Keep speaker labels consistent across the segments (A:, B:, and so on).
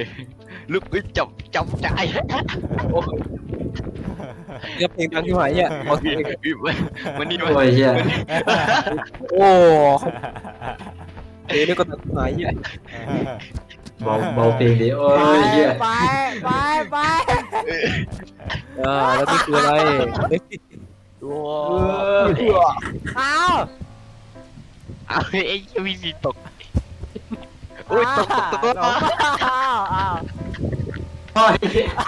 A: ลูกเอ้ยจับใจโอ้
B: เรียบเพลงดังที่หายเนี่ยเอาเพลง
A: มันนี่
C: โอ้ยเฮีย
B: โอ้เพลงนี่ก็ดังที่หายเนี่ย
C: เบาเพลงดิโอ้ยเฮีย
D: ไป
B: แล้วนี่คืออะไร
A: โอ้
D: เอา
A: เอาไอ้มีสีตกโอ้ยตก
D: เอา
C: โอ้ย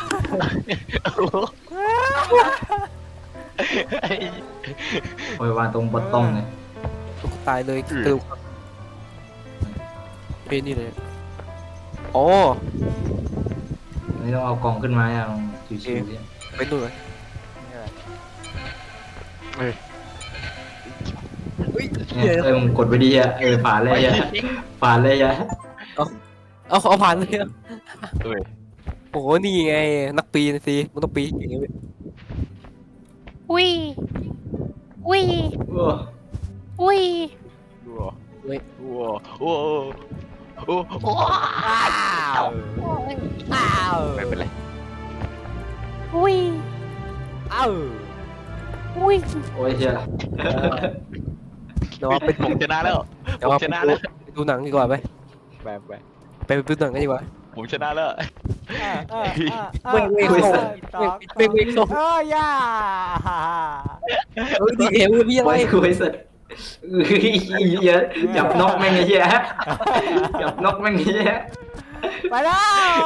C: โอ้ยวางตรงบนต้องเลย
B: ตุ๊กตายเลยกระดูกเพลงนี่เลยโอ้
C: นี่ต้องเอากล่องขึ้นมาอย่างชิวๆเนี่ย
B: ไปดูเลยเฮ้ย
C: เนี่ยมึงกดไปดีอ่ะผ่านเลยอ่ะผ่านเลยอ่ะ
B: เอาผ่านเลยอะ
A: เอ้ย
B: โอ้โหนี่ไงนักปีนสิมันต้องปีนอย่างเงี้ย
E: อุ้ยอุ้ย
C: โอ้
E: อุ้ย
A: โอ้โอ้โอ้โอ้
D: อ้าว
A: ไม่เป็นไร
E: อุ้ย
D: อ้าว
E: อุ้ย
C: โอ้ยเฮีย
B: เดี๋ยวไป
A: ผมชนะแล้ว
B: เดี๋ยว
A: ผมชนะแล้ว
B: ไปดูหนังดีกว่าไป
A: แบบ
B: ไปดูหนังกันดีกว่า
A: ผมชนะแล้ว
B: ไม่ส่ง
D: ย่า
B: ดีเอวพี่อะไร
C: โอ้ยคุยสุดเฮียจับนกแม่งไอ้เฮียจับนกแม่งไอ้เฮีย
D: ไปแล้ว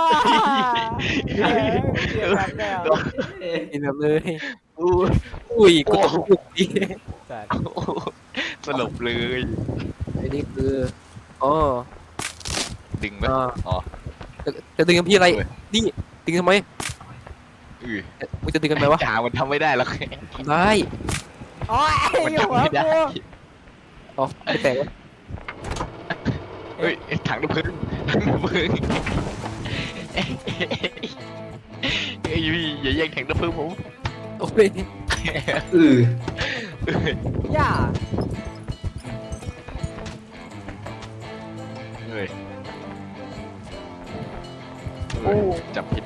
B: กินแบบเลยอุ้ยกูตกลุกดี
A: สลบเลย
B: ไอ้นี่คืออ๋อ
A: ดึงไหมอ๋อ
B: จะดึงกับพี่อะไรนี่ดึงทำไม
A: อือ
B: มึงจะดึงกันไหมวะ
A: จ่ามันทำไม่ได้หรอก
B: ได้
D: โอ้ย
A: มัน
D: อยู่
A: ทำ
D: หัว
A: ไม่ได้
D: กู
B: อ๋อไม่แตกวะ
A: เฮ้ยถังน้ำผึ้งเฮ้ยพี่อย่าแย่งถังน้ำผึ้งผม
B: โอ้ย
C: อือ
D: ย่า
A: เฮ้ยจับผิด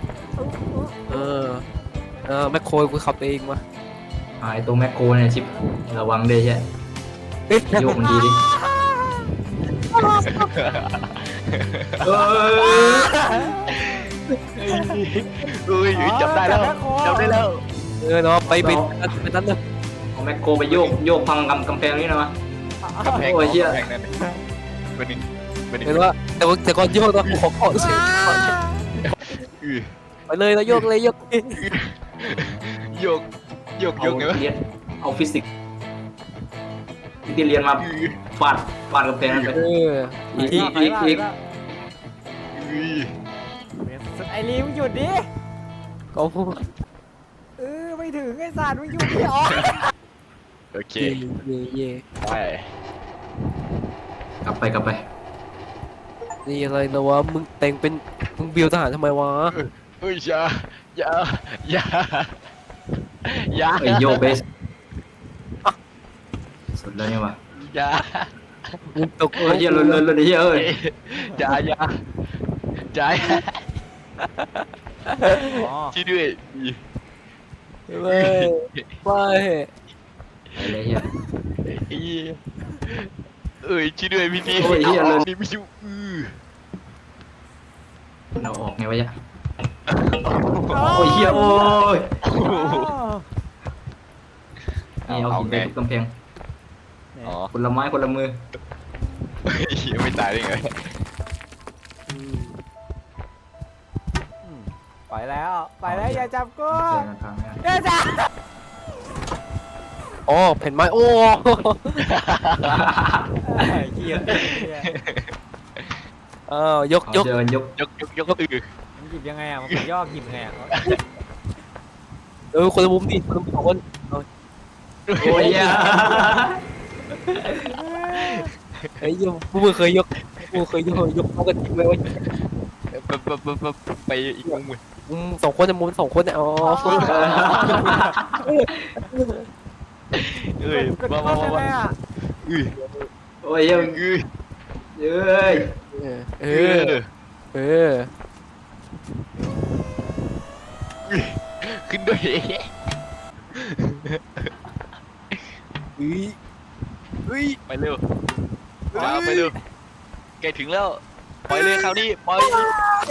B: แมคโครกูขับเองวะ
C: ไอตัวแมคโครเนี่ยชิประวังด้วยเฮียโยกมันดีดิเออ
A: เฮ้ยจับได้แล้วจับได้แล้ว
B: เนาะไปบินไปนั่นเลย
C: เอาแมคโครไปโยกพังกำแพงนี่นะวะ
A: กำแพง
C: โอ้ยเหี้ย
A: กำแพงนั่นเป็นหนึ่งเป็นหนึ่ง
B: เห็นว่าแต่ก่อนโยกนะขอขอเสียง ไปเลยเราโยกเลยโยก
A: โยกโยกโยกไงวะ
C: เรียนเอาฟิสิกส์ที่เรียนมาฟาดกำแพงนั่นไป
B: อีก
D: ไอ้ลีมึงหยุดดิ
B: ก็
D: ไม่ถึงไอ้สัตว์มึงหยุดดิอ๋อ
A: โอเค
B: เย่
A: ไป
C: กลับไป
B: นี่อะไรนะวะมึงแต่งเป็นมึงเบียวทหารทำไมวะ
A: เฮ้ยอย่า
C: เอ้ยโยกเบสสุดแล้วเนี่ยวะ
A: อย่า
B: มึงตก
C: เฮ้ยเฮียเลยเฮียเอ้ย
A: อย่าช่วยด้วย
B: ไม่ไม่
C: อะไรเฮีย
A: เอ้ยช่วยด้วยพี่
C: โอ้ยเหี้ยเลย
A: นี่ไม่ช่วย
C: เราออกไงวะเนี่ยโอ้ยเฮียโอ้ยนี่เอาหินไปทุบกำแพง
A: อ๋อ
C: คนละไม้คนละมือ
A: ไม่ตายได้ไง
D: ไปแล้วอย่าจับกู
C: เจอกันครั้งหน้า
D: อย่าจับ
B: อ๋อเห็นไหมโอ้
D: เหี้ย
B: ยก
C: เอาเจอกันยก
A: ยกอือ
D: มันหยิบยังไงอ่ะมันย่อหยิบไงอ่ะ
B: คนละมุมดิคนละมุมคน
C: โอ้ยเฮีย
B: ไอ้ยังมึงเคยยกเขากันจริงไหมวะ
A: ไปอีกมุมเลย
B: สองคนเนี่ยมุมสองคนเนี่ยอ๋อ
A: เอ้ย
D: กดเข้าไปเลยอ่ะ
A: อือ
C: โอ้ยเฮีย
A: อือ
C: เอ้ย
B: เออ
A: ขึ้นด้วย
B: เฮ้ยเฮ้ย
A: ไปเร็วจ้าไปเร็วแกถึงแล้วปล่อยเลยคราวนี้ปล่อย
D: แก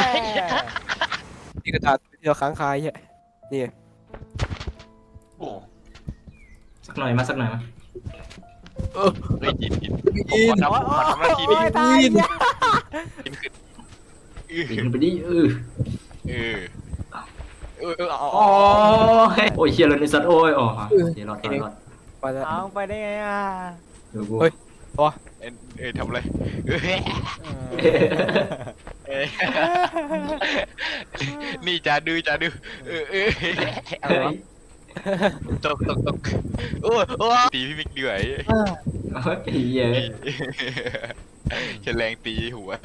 B: นี่กระดาษที่เราค้างคายเนี่ยนี่
A: โอ้
C: สักหน่อยมาสักหน่อยมา
B: เออ
A: เฮ้ยยิน
B: อิน
A: ผมขอทำหน้าที่
D: โอ้
A: นี้
D: ยตายเนี่ย
A: ยินขึ้น
C: ปีนไปดิ
A: เออเอา
C: อ๋อโอ้ยเฮียเลยในสัตว์โอ้ยอ๋อเดี๋ยวรอด
B: ไปแล้ว
D: เอาไปได้ไงอ่ะ
C: เดี๋ยวกู
B: เฮ้ย
A: ทำอะไรนี่จ่าดื้อตกโอ้ตีพี่มิกเหนื่อย
C: เฮีย
A: ฉันแรงตีหัว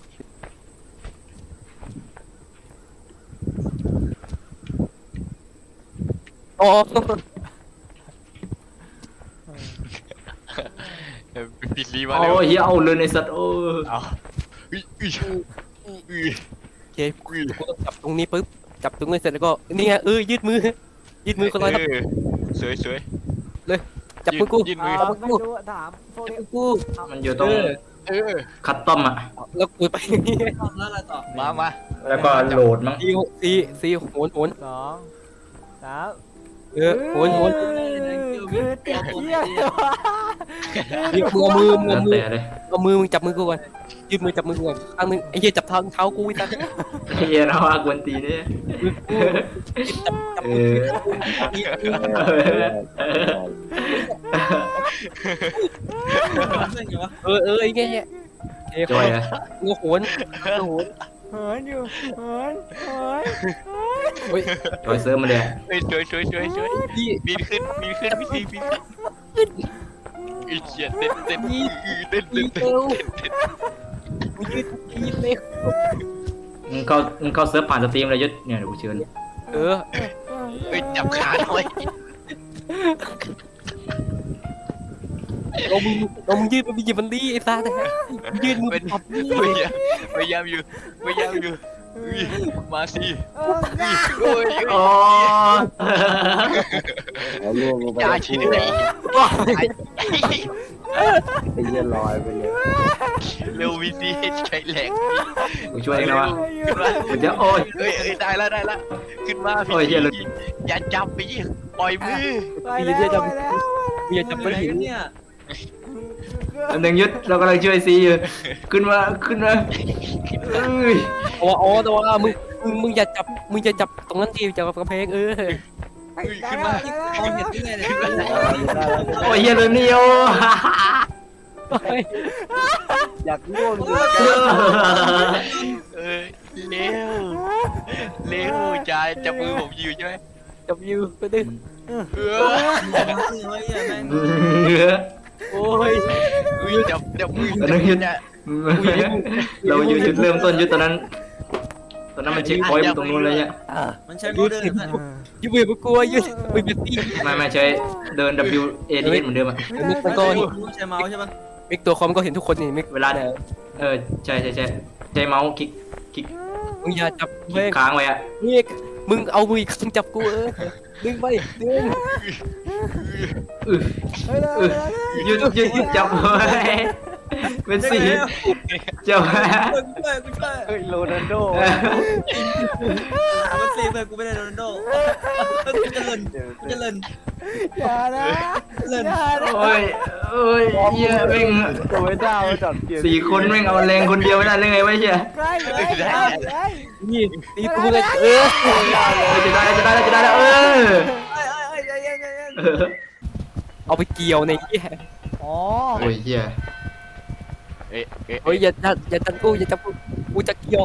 B: โอ้
A: ปิดลีมาเร็ว
C: โอ้ยเฮียเอาเลยในสัตว์โอ้
A: เอา
B: โอเคกูต้องจับตรงนี้ปุ๊บจับตรงนี้เสร็จแล้วก็นี่ไงยืดมือคนละ
A: สวย
B: จับมือกู
A: ยืนมือ
D: เอาไม่รู้ถามพวก
B: จับ
D: นี้
B: มือกู
C: มันอยู่ตรง คัตตอมอ่ะ
B: แล้วกูไปนี่
A: มา
C: แล้วก็โหลดมั้ง
B: ซีโหน
D: 2 3
B: โหน
D: คือเตี้ยเตี้ย
B: นี่เอามือ
C: แล้วแต่เลย
B: เอามือมึงจับมือกูก่อนยืดมือจับมือกูก่อนข้างนึงไอ้เหี้ยจับเท้ากูไอ้สัส
C: เฮียนะว่ากวนตีเนี่ย
B: จับ
C: เอ
B: มือ ไอ้เงี้ย
C: จอยอะ
B: งูโหน
D: เหินอยู่เหิน
C: จอยเซิร์ฟมาเลย
A: เฮ้ยช่วย
B: พี่
A: บินขึ้นพี่ซีอีเฉียดเต้น
B: เร็วมึงยืดเร็ว
C: มึงเข้าเซิร์ฟผ่านสตรีมเลยยุทธเนี่ยเดี๋ยวกูเชิญ
A: เฮ้ยจับขาหน่อย
B: เรามึงยืดมันหยิบมันดีไอ้สัสยืดมือ
A: เป็น
B: จับนี่
A: พยายามอยู่มาสิ
C: โอ้
F: แล้วล่วงลงไป
A: จ่าชี้ไหน
F: ไอ้เหี้ยลอยไปเลย
A: เร็ววีซีใช้แรง
C: กูช่วยเองนะวะ
A: ขึ้นมา
C: กูจะโอ้ย
A: เฮ้ยได้แล้วขึ้นมา
C: โอ้ยเหี้ยเลย
A: อย่าจับไปยิงปล่อยมือ
D: ไปแล้วไปแล้ว
B: มึงอย่าจับมันหิน
C: อันหนึ่งยุทธเรากำลังช่วยซีอยู่ขึ้นมาเอ้ย
B: แต่ว่ามึงอย่าจับตรงนั้นทีจับกระเพง
A: ขึ้นมา
C: โอ้ยเฮียเลยนี่โอ
F: อยากล่วงอยู่
A: เร็วจ่าจับมือผมอยู่ใช่ไหม
B: จับยูไปดึงโอ้ย
A: จับมือ
C: อันนั้นยุทธเราอยู่จุดเริ่มต้นยุทธตอนนั้นมันเช็คพอยต์ตรงนู้นเลยเนี่ย
G: มันใช้โมเดิร์น
B: ยูมือกูกลัวยูมือเป็นตี
C: ไม่ใช้เดิน W A D S เหมือนเดิมอะ
B: มิกมันก็
G: ใช้เมาส์ใช่ปะ
B: มิกตัวคอมก็เห็นทุกคนนี่มิก
C: เวลาใช่ใช้เมาส์คลิก
B: มึงอย่าจับเพง
C: ค้างไว้อะ
B: มิกมึงเอามือข้างจับกูดึงไปดึง
C: ยืดจับไว้เป็นสีจับไว้
G: กูช่วย
F: เฮ้ยโรนัลโด
G: มันซีเพื่อนกูไม่ได้โรนัลโดกูจะเล่น
D: อย่านะอย่านะ
C: โอ้ยเหี้ยแม่ง
F: ตัวไม่ได้มาจับเกียร์
C: 4 คนแม่งเอาแรงคนเดียวไม่ได้เลยไงวะเหี้ย
D: ใกล้เลย
B: นี่ตีกูเลย
C: จะได้
B: เอาไปเกี่ยวในที่
D: อ๋อ
C: โอ้ยเหี้ย
B: เฮ้ยอย่าจับกูอย่าจับกูจะเกี่ยว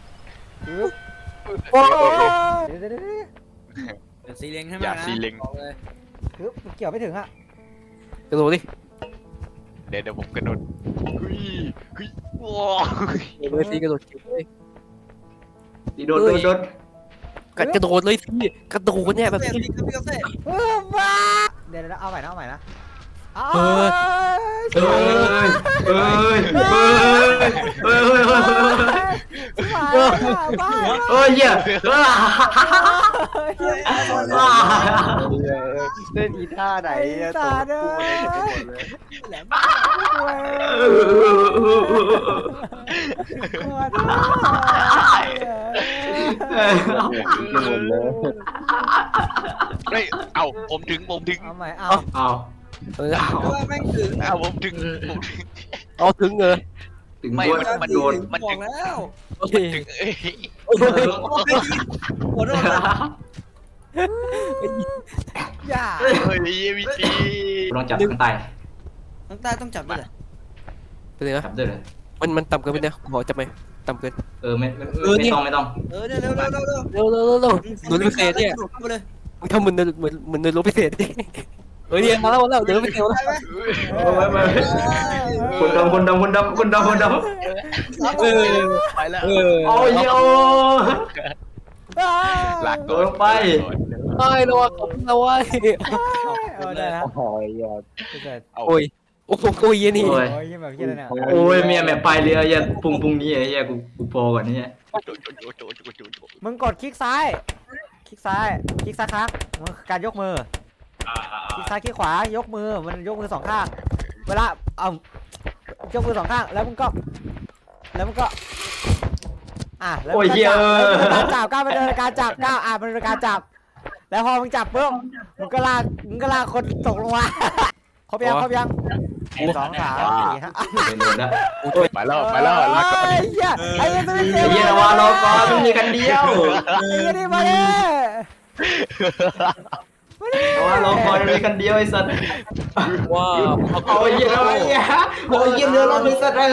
D: โอ้ย
G: เป็นซีเล็งใช่ไหม
A: อย่า
G: นะ
A: ซีเล็ง
D: คือเกี่ยวไม่ถึงอ่ะ
B: กระโดดดิ
A: เดี๋ยวผมกระโดดเฮ้ยว้า
B: เลยสิกระโดดเลย
C: โดน
B: กระโดดเลยสิกระโดดเนี่ยแบบ
G: พี่กาแฟ
D: บ้าเดี๋ยวเอาใหม่นะเอาใหม่นะ
C: เอ้ย
D: บ้า
C: เอ้ยเหี้ย
F: เล่นอีท่าไหนตัวกูเลยหมดเลย
G: แหลม
F: หมดเลย
A: เฮ้ยเอาผมถึง
D: เอาใหม่เอา
C: เอา
B: เออ
G: ว่าแม่งถึง
A: เอาผมถึง
B: เอาถึงเออ
C: ถึง
A: ไม่
C: ด้วย
A: มัน
C: โดน
A: มัน
G: บอ
A: ถึ
G: ก
A: ง
G: แล้ว
B: โอเค
A: ถึงเอ้ย
G: หัวโดน
D: อย่า
A: เฮ้ยวิธี
C: ลองจับข้างใต้
G: น้ำตาต้องจับด้วยเหรอ
B: เป็นไงนะ
C: จับด้วยเลย
B: มันต่ำเกินไปเนี่ยขอจับไหมต่ำเกิน
C: ไม่ต้อง
G: เนี่ยเร็ว
B: เร็วหนูพิเศษเนี่ย
G: เข้าไปเลย
B: มึงทำเหมือนในรถพิเศษดิเฮ้ยเนี่ยมาแล้วเดี๋ยวพิเศษแล้ว
C: ไม่คนดำ
B: เออ
A: ไปแล้ว
B: เออ
C: โอ้ยโอ้
A: หลัก
C: โดนไป
B: ไอ้เราเราไอ้
D: เอาได้นะ
F: โอ้ยอย่า
B: โอ้ยโอ้โหโอ้ยนี่
C: โอ้ย
D: โอ้ยยังแบบเฮียเลยเนี่ย
C: โอ้ยเมียแม่ไปเรืออย่าพุ่งนี้ไอ้เหี้ยกูพอก่อนนี่
D: มึงกดคลิกซ้ายคลิกซ้ายค้างมันคือการยกมือคลิกซ้ายคลิกขวายกมือมันยกมือสองข้างเวลาเอายกมือสองข้างแล้วมึงก็แล้ว
C: โอ้ยเหี้ย
D: การจับก้าวเป็นการจับก้าวมันเป็นการจับแล้วพอมึงจับปุ๊บมึงก็ลากคนตกลงมาครบยัง1 2 3 4 5
C: โดนแล้ว
A: ไปแล้วลากก่อน
D: ไอ้เหี้ยไอ้เหี้ยตัว
C: ไอ้เหี้ยว่ารอก่อนมันมีกันเดียว
D: นี่มาเลย
C: ว่ารอก่อนมันมีกันเดียวไอ้สัตว์
B: ว้าว
C: โอ้ยเหี้ยอะไรเนี่ยโอ้ยเหี้ยเรือเรามีสัตว์อะไร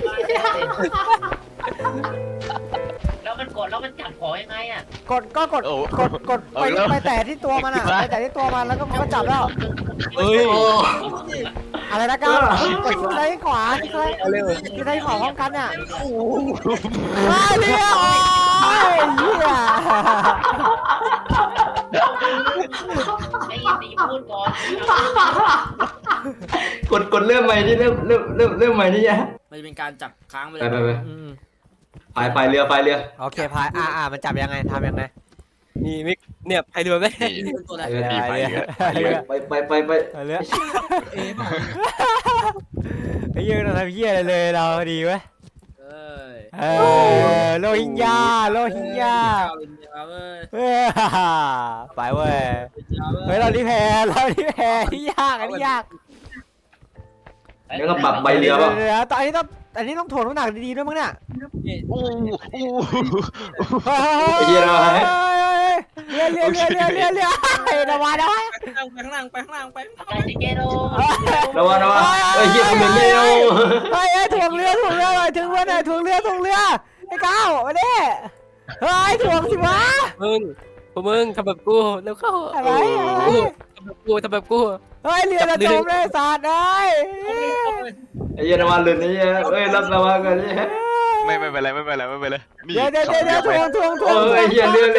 H: แล้วมันจับของยังไงอ่ะ
D: กดไปแต่ที่ตัวมันอ่ะไปแต่ที่ตัวมันแล้วก็มันก็จับแล้ว
B: เฮ้ย
D: อะไรนะก้าวกดซ้ายขวาที่ซ้ายขวาพร้อมกันเนี่ยไอ้เนี่ยโอ้ยเหี้ย
H: ให้ยินดีพูดก่อน
C: กดเริ่มใหม่ดิเริ่มใหม่ดิเนี่ย
G: มันจะเป็นการจับค้างไป
C: ไป
G: เลย
C: พายเรือ
D: โอเคพายมันจับยังไงทำยังไง
B: นี่มิกเนี่ยไพเรือไหม
G: เป็นตัวอะไร
D: เรือ
C: ไป
D: เรือไอ้ยืนทำเหี้ยอะไรเลยเราดีเว้ย
G: เอ้ย
D: โลหิงญาไปเว้ยเฮ้ยเราที่แพ้ที่ยากอันนี้ยาก
C: แล้วก็ปรับใบเรือป่ะ
D: เดี๋ยวตอนนี้ต้องถ่วงน้ำหนักดีๆด้วยมั้งเนี่ย
C: ไอ้เหี้ยอะไร
D: เรือระวัง
G: ไปข้างล่าง
H: ใจสิเกโด
C: ระวังไอ้เหี้ยมันเร็ว
D: เฮ้ยถ่วงเรือหน่อยถึงเรือถ่วงเรือไอ้ก้าวมาดิเฮ้ยถ่วงสิวะ
B: มึงทำแบบกูแล้วเข้า
D: อะไร
B: ทำแบบกู
D: เฮ้ยเรือจะจมเลยสาดเลย
C: ไอ้เหี้ยระวังเรือนี่เอ้ยรับระวังกันนี่
A: ไม่เป็นไรนี่
D: เดี๋ยวถ่วง
C: ไอ้เหี้ยเรือเลย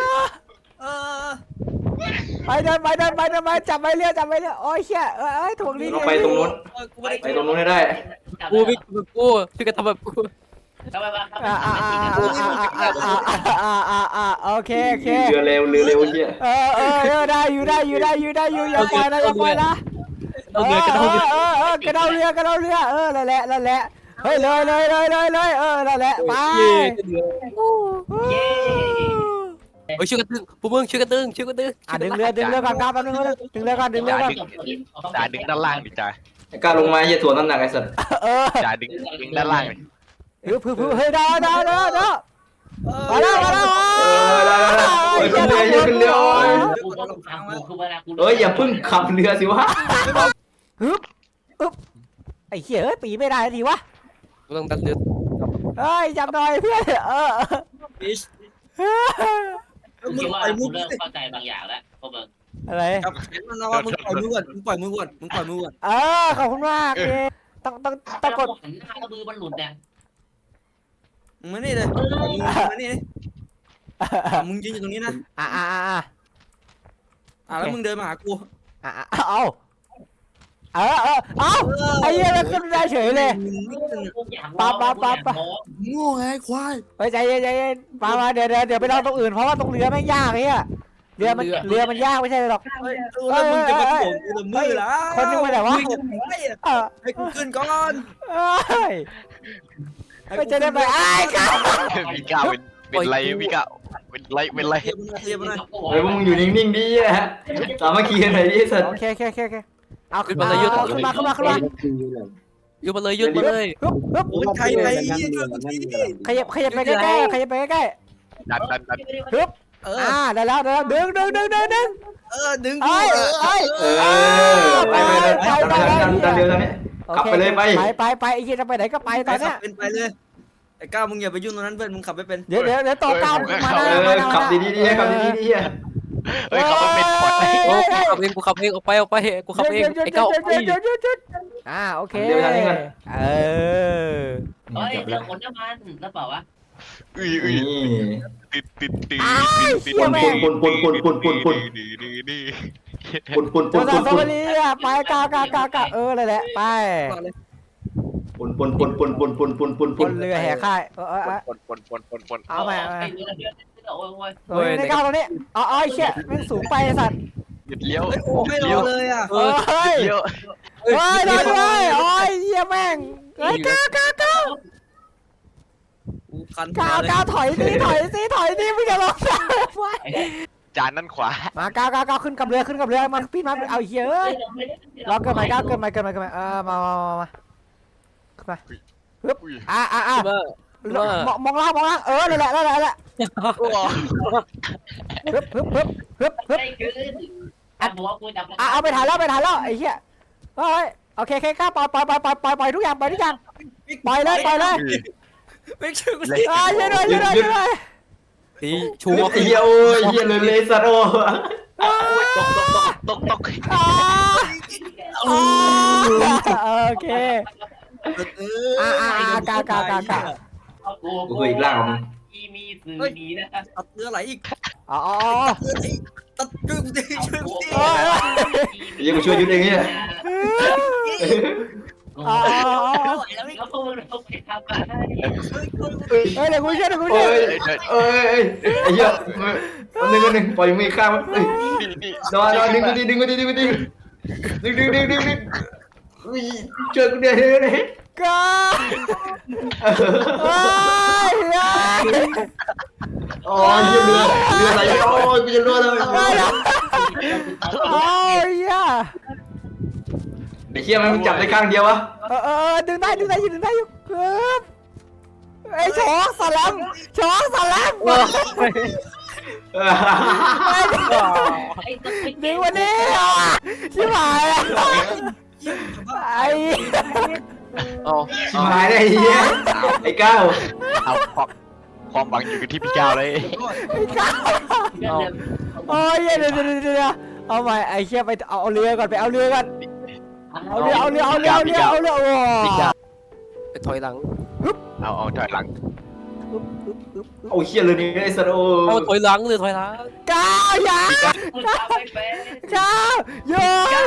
D: ไปเดินจับไปเรือโอ้ยเชี่ยถ่วงนี่
C: เราไปตรงนู้นให้ได้
B: กูมิกแบบกูช่วยกันทำแบบกู
H: ทำไมวะ
D: โอเค
C: เรือเร็วเหี้ย
D: ได้อยู่อย่าปล่อยนะ
B: เราเรือกระโดด
D: กระเดาเรือนั่นแหละเฮ้ยเลยนั่นแหละไป
B: เฮ้ยช่วยกันตึงพวกมึงช่วยกันตึง
D: ดึงเรือก่อนครับแป๊บนึงดึงเรือก่อน
A: จ่าดึงด้านล่างดิจ่า
C: ไอ้กล้าลงมาเหี้ยถ่วงน้ำหนักไอ้สัตว์
A: จ่าดึงด้านล่างดิ
D: เฮ้ยได้มาแล้ว
C: ขึ้นเรือ
H: กูก็ต้องทำกูคือเวลากู
C: อย่าพึ่งขับเรือสิวะ
D: ไอ้เหี้ยปีไม่ได้ทีวะ
B: กูต้องดันเรือ
D: เฮ้ยจับหน่อยเพื่อน
H: กูคิดว่ากูเริ่มเข้าใจบางอย่างแล้วพวกมึง
D: อะไร
G: จับแขนมันนะว่ามึงปล่อยมือก่อนมึงปล่อยมือก่อน
D: ขอบคุณมากต้อง
H: แต่
D: กด
H: หันหน้ามือมันหลุดเนี่ย
G: มึงนี่เลยมึงนี่มึงยืนอยู่ตรงนี้นะแล้วมึงเดินมาหากู
D: เอาเอ้าไอ้เหี้ยมันขึ้นได้เฉยเลย ปั๊บ
G: งูไงควาย
D: เฮ้ยใจเย็นมาเดี๋ยวไปลองตรงอื่นเพราะว่าตรงเรือแม่งยากไอ้เหี้ยเรือมันยากไม่ใช่หรอก
G: แล้วมึงจะมาถ่วงกูละมือละ
D: คนนึงมาแต่ว่าเออ
G: ให้กูขึ้นก่อน
D: เอ้ยไม่จะได้ไปไอ้ก้าว
A: มีก้าวเป็นไรมีก้าวเป็นไร
G: เทียบนะ
C: เฮ้ยพวกมึงอยู่นิ่งๆดิอ่ะสามัคคีกันหน่อยดิสัตว์
D: โอเคเอาขึ้นมายืดมา
B: ยืดมาเลยยืดมาเลย
D: ฮึบ
G: โอ้ยใครไป
D: ขยับไปใกล้ขยับไปใกล้
A: ดัน
D: ฮึบ
G: เออ
D: ได้แล้วดึง
G: ดึง
D: เอ้ย
C: ไปดันเร็วตอนนี้ขับไปเลยไป
D: ไปไอ้เหี้ยจะไปไหนก็ไปตอนเนี้ย
G: เป็นไปเลยไอ้ก้าวมึงอย่าไปยุ่งตรงนั้นเพื่อนมึงขับไม่เป็น
D: เดี๋ยวต่อก้าวมา
C: ขับดีๆดิขับดีๆดิ
A: เฮ้ยเขาเป็นปอด
B: กูขับเองออกไปกูขับเองไอ้เก้า
D: โอเค
H: เฮ้ยเรื่องคนน้ำมันแล้วเปล่าวะ
A: ติด
C: ปุ่น
D: ตัวสาวสวัสดีไปกาเลยแหละไปบนเรือแห่ค่ายเอาใหม่ในก้าวตรงนี้เอาไอ้เชี่ยมันสูงไปสัตว์
A: เลี้ยว
G: โอ้ไม่รอเลยอ่ะ
D: เฮ้ย
A: เลี้ยว
D: ได้เลยโอ้ยเหี้ยแม่งเฮ้ยก้าว
G: คัน
D: ก้าวถอยสิไม่จะลงไว้
A: จานนั่นขวา
D: มาก้าวขึ้นกับเรือมันพี่มาเอาเหี้ยเอ้ยรอเกินไปก้าวเกินไปมามขึ้นมาฮึบมองล่างนั่นแหละฮึบ
H: ไม่คืออัดหัวกูจับ
D: เอาไปถ่ายแล้วไอ้เหี้ยเฮ้ยโอเคก้าวปล่อยทุกอย่างปล่อยเลย
G: ไม่ช่วยกู
D: ช่วยด้วย
B: ตีชู
C: เฮียโอ้ยเฮียเลยสัตว์โอ้
A: ตก
D: โอเคก้าว
C: กูเคยอีกล่างของมึง
H: อีมีสื่อดีนะ
G: ตัดเรือไหลอีก
D: อ๋อ
G: ตัดช่วยกูดิช่วยกูดิ
C: เฮียกูช่วยยุดเองเนี่ย
H: แล้วพวกมึงต้องไปทำอะไร
D: เดี๋ยวกูช่วย
C: เอ้ยไอ้เหี้ยวันหนึ่งปล่อยมือข้ามนอนดึงกูดิช่วยกูเดี๋ยวนี้
D: ก้า
C: โอ้ยเรือไหลโอ้ยกูจะรั่วแล้ว
D: โอ้ย
C: ไอ้เหี้ยมันจับได้ข้างเดียววะ
D: ดึงได้อยู่ครับไอ้ช้องสลัมดึงวันนี้ชิบหายไอ้
C: ชิบหายได้ไอ้เหี้ยไอ้ก้าว
A: เอาความหวังอยู่ที่พี่ก้าวเลย
D: โอ้ยเดี๋ยวเอาใหม่ไอ้เชี่ยไปเอาเรือก่อนเอาเรือโอ้
B: ไปถอยหลัง
A: เอาถอยหลัง
C: โอ้เหี้ยเลยนี่ไอ้สัตว์โอ้
B: เอาถอยหลังเลยถอยหลัง
D: ก้าวอย่าก้าวโยน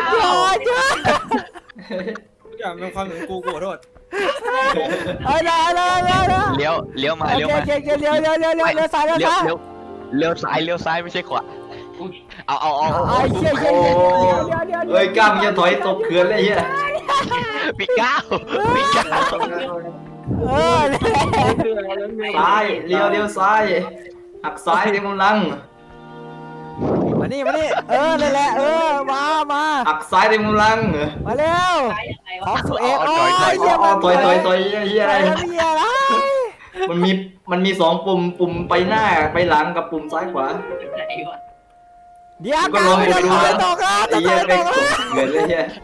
G: ทุกอย่างเป็นความเหมือนกูขอโทษ
D: ได้
A: เลี้ยวมา
D: เลี้ยวซ้าย
A: เลี้ยวซ้ายไม่ใช่ขวาเอา
D: ไอ้เชี่ย
C: เฮ้ยก้าวมึงจะถอยตกเขื่อนเลยเหี้ย
A: พี่ก้าว
C: ซ้ายเลี้ยวซ้ายหักซ้ายเต็มกำลัง
D: มานี่นั่นแหละมา
C: หักซ้ายเต็มกำลัง
D: มาเร็วของสุเอกโอ้ย
C: ต่อยเหี้ยอะไรมันมี2ปุ่มไปหน้าไปหลังกับปุ่มซ้ายขวา
D: เดี๋ยวก้าวไม่ตกแล้ว
C: ไอ้เหี้ยไปเกิดเลยเหี้ย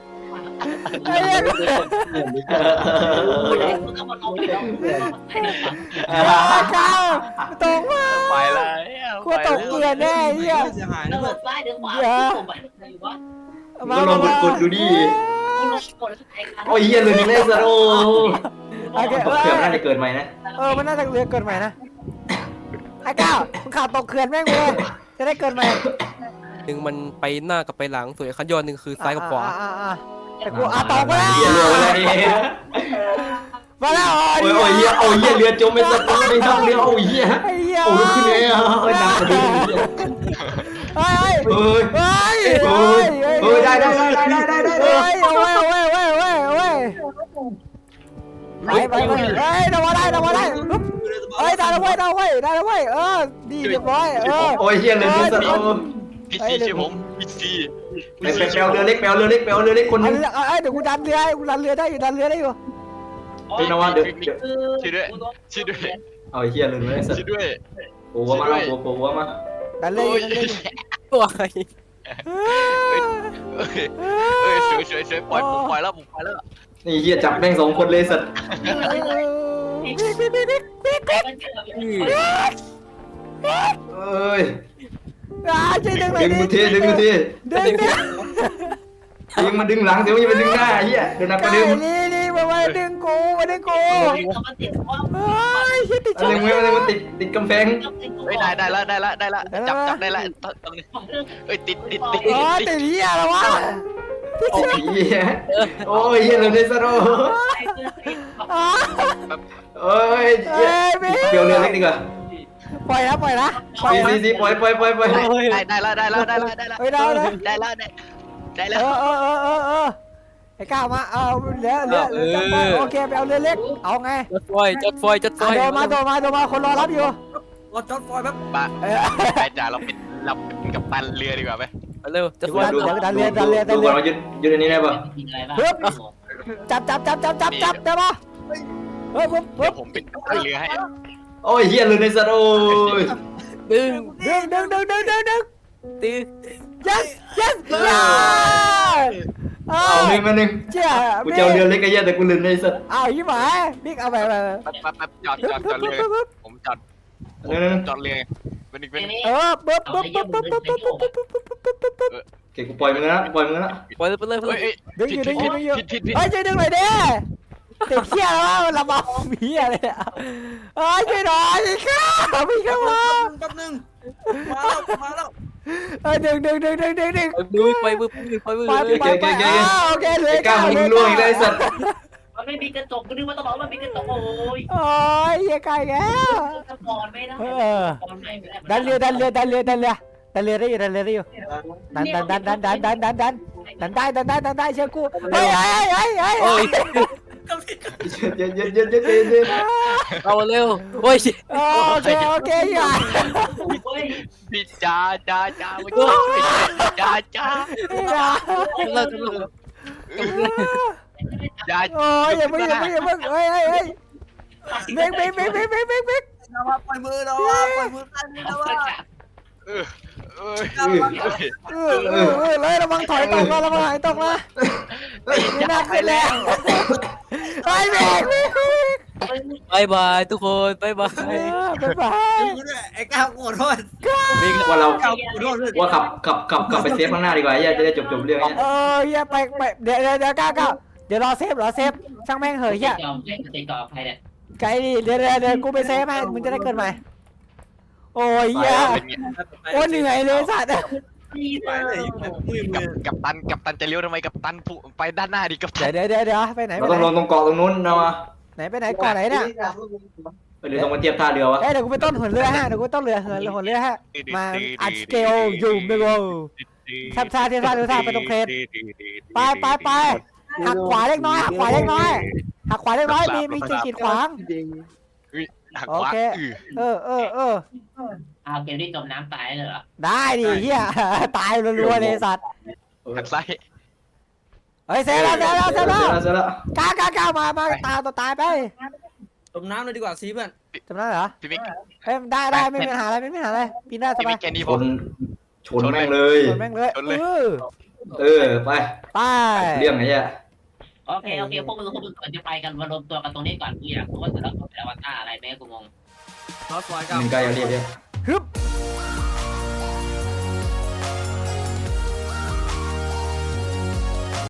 D: ก้าวตกมา
A: ไปแล้ว
D: กูตกเกลือแน่เหี้ย
G: เสียหาย
H: แล้
G: นะ
H: ว
G: เพื่อน
H: ซ้ายหรือขวาผมไปไหนวะ
C: ก็ลองกดดูดิ
H: กดไอ้คัน
C: โอ้ยเหี้ยเลยนี่เลยสัตว์โอ้ตกเขื่อนน่าจะเกิดใหม่นะ
D: มันน่าจะเรือเกิดใหม่นะไอ้ก้าวมึงข่าวตกเขื่อนแม่งเลยจะได้เกิดใหม่
B: หนึ่งมันไปหน้ากับไปหลังส่วนคันยอดหนึ่งคือซ้ายกับขวา
D: แต่กูตกไปแล้ว
C: เหี้ยรัวอะไร
D: มาแล้ว
C: โอ้ยเหี้ยเอาเหี้ยเรือจมไปสัตว์ไม่ทำเรือเอาเหี้ย
D: ไอ้เหี้ย
C: โอ้ลุกขึ้นเลยเอ้ยหนักกว่าเดิมเหี้ย
D: เฮ้ย
C: เอ้ย
D: เฮ้ย
C: เอ้ยได้
D: เฮ้ยเอาไว้ไปเฮ้ยเดามาได้เฮ้ยได้แล้วเว้ยดีเรียบร้อย
C: โอ้ยเหี้ยเรือสัตว์เอา
A: พี่ซีช่วยผมพี่ซี
C: ไปแปลวเรือเล็กคนนึง
D: เดี๋ยวกูดันเรือได้อยู่
C: เป็นนวัดเดี๋ยว
A: ช่วยด้วยช่วยด้วย
C: เอาเหี้ยเลยไม่สัต
A: ช่วย
C: ว์
A: ด้วย
C: โอ้มาแล้วโอ้มา
D: ดันเลย
B: ตัว
A: ช่วยปล่อยผมปล่อยแล้ว
C: นี่เหี้ยจับแม่ง2 คนเลยสัตว์เอ้ย
D: ช่วยดึงเลย
C: ดึงมือทียิงมาดึงหลังเดี๋ยวยังมาดึงหน้าเหี้ยเดี๋ยวนับกระดึง
D: นี่มาดึงกูชิดติด
C: อะไรมันติดกำแพง
A: เฮ้ยได้แล้วจับได้แล้วตรงนี้เฮ้ยติด
D: ติดเหี้ยแล้ววะ
C: โอ้ยเหี้ยโอ้ยเหี้ยเลยได้ซะโร่เอ้ยเดี๋ยวเรือเล็กดีกว่า
D: ปล่อยนะ
C: ซีปล่อย
A: ได้แล้ว
D: ไอ้ก้าวมาเอาเรือโอเคไปเอาเรือเล็กเอาไง
B: จัดไฟ
D: โดมาคนรอรับอยู่
G: รอจอดฟอยแป๊บ
A: บ้าไปจ่าเราเป็นกัปตันเรือดีกว่าไหม
B: เร็วจัดไฟ
D: ดันเรือ
C: ดูก่อนเรายืนในนี้ได้ป่ะ
D: จับได้ปะเฮ้ยปุ๊บ
A: เดี๋ยวผมเป็นกัปตันเรือให้
C: โอ้ยเหี้ยเลยในซะโร่
B: ดึง
D: ดึง
B: ตี
D: yes
C: เอาหนึ่งมาหนึ่ง
D: เจ้า
C: กูจะเอาเรือเล็กไอ้เหี้ยแต่กูลืมในสัตว์
D: เอายี่หมายบิ๊กเอาไป
A: แป๊บจอดเรือผมจอดเรือเป็นอีกเป็น
D: ปุ๊บ
C: โอเคกูปล่อยมึงแล้ว
B: ปล่อยไปเลย
A: เฮ้ย
D: ดึงอยู่
A: ผิด
D: เฮ้ยช่วยดึงหน่อยดิติดเขี้ยแล้วลำบากมีอะไรเฮ้ยช่วยหน่อยข้าพี่เข้ามา
G: แป๊บนึงมาแล้ว
D: เฮ้ยดึง
B: ไปมือ
D: โอเคเลย
C: ไอ้ก้าวมึงล่วงอีกแล้วไอ้สัตว์
H: มันไม่มีกระจกกูนึกว่าต้องบอกว่ามีกระจกโอ้ย
D: โอ้ยยังไงแก
H: จะก่อนไม่ได้ก่อนไม่ได้
D: ดันเรือได้อยู่ดันได้อยู่ดันได้เชื่อกูเฮ้ย
B: โอ้ย
C: เย็น
B: เอาเร็วโอ้ย
D: โอเคอย่า
A: พี่จ้ามาช่วยจ้า
B: เลิก
A: จ้า
D: โอ้ยอย่าเพิ่งเฮ้ยเบรก
G: ปล่อยมือนะวะปล่อยมือกันนะวะ
D: เลยระวังถอยตกนะระวังหายตกนะไม่น่าขึ้นแล้วไปเบรก
B: บายบายทุกคนบายบาย
D: บาย
G: ไอ้ก้าวขอโทษ
C: ว่าเรา
G: ก้าวขอโทษด้วย
C: ว่าขับไปเซฟข้างหน้าดีกว่าไอ้เหี้ยจะได้จบเรื่องเนี้ย
D: อย่าไปเดี๋ยวก้าวเดี๋ยวรอเซฟช่างแม่งเหยอ่ะ
H: ติดต่อใครเนี่ย
D: ไกลดิเดี๋ยวกูไปเซฟให้มึงจะได้เกินใหม่โอ้ยอย่าโอ้เหนื่อยเลยสัตว์
G: ไปเลยมือ
A: กัปตันจะเลี้ยวทำไมกัปตันไปด้านหน้าดิกัปตัน
D: เดี๋ยวไปไหน
C: เราต้องลงตรงเกาะตรงนู้นนะวะ
D: ไปไหนก่อนไหนเนี่ย
C: ไปหรือต้องมาเทียบท่าเรือวะ
D: เดี๋ยวกูไปต้นหัวเรือฮะเดี๋ยวกูต้นเรือหัวเรือฮะมาอัดสเกลอยู่ไม่รู้ทับท่าไปตรงเครนไปหักขวาเล็กน้อยมีกีดขวาง
A: หัก
D: โอ
A: ขวา
D: เค
H: เอาเกมที่จมน้ำตายเลยเหรอ
D: ได้ดิเฮียตายรัวๆเลยสัตว์
A: หักซ้าย
D: เฮ้ยเซฟแล้ว
C: เสร็จแล้ว
D: ก้าวมาตายไป
G: จมน้ำเลยดีกว่าซีเพื่อน
D: จำได้เหรอ
A: พี่บิ๊ก
D: เฮ้ยได้ไม่มีปัญหาอะไรปีหน้าส
A: พี่
D: บา
A: บิ๊
D: ย
A: กแกนี่
C: ช
A: ผม
C: นแม่งเลย
D: ชนแม่งเลย
C: ไป
D: ไป
C: เรื่องไงเนี่ย
H: โอเคพวกมึงก่อนจะไปกันมารวมตัวกันตรงนี้ก่อนกูอยากรู้ว่าแต่ละคนเป็นอวตารอะไรแม่กูงง
G: รอฟอยก้าว
C: 1 กายอย่าเรียบ
D: ฮึบ